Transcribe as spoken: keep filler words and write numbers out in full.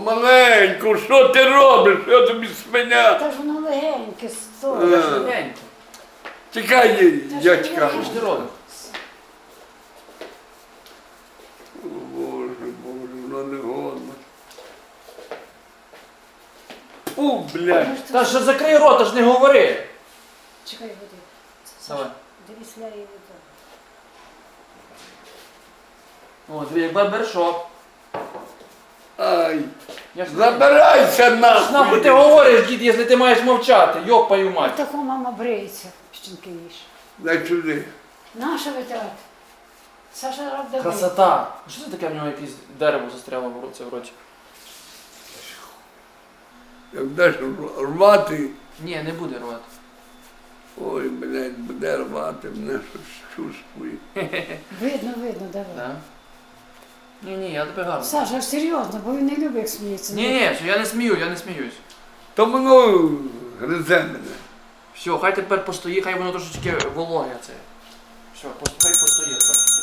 Помаленьку, що ти робиш? Я тобі свиня. Та ж воно легеньке, Е. стой. Легенько. Тікай, дядька. Що ж ти робиш? О, Боже, Боже, воно не годно. Фу, блядь. Та що закрий рот, аж не говори. Чекай, води. Давай. Дивись, ляє вода. О, дві як барбершоп. Ай, Я ж не- забирайся Нахуй нахуй. ти говориш, дід, якщо ти маєш мовчати, йопаю мать. Тако мама бриється, щінки їж. Дай сюди. Наша витрат. Саша роб давай. Красота. Що це таке в нього якесь дерево застряло в році в роті? Як даш рвати, Ні, не буде рвати. ой, блядь, буде рвати, мене щось чувствує. Видно, видно, давай. Да? Ні, ні, я тебе гарно. Саша, серйозно, бо він не любить, як сміється. Ні, ні, що я не смію, я не сміюсь. То воно гризе мене. Все, хай тепер постоїть, хай воно трошечки вологе це. Все, хай постоїть.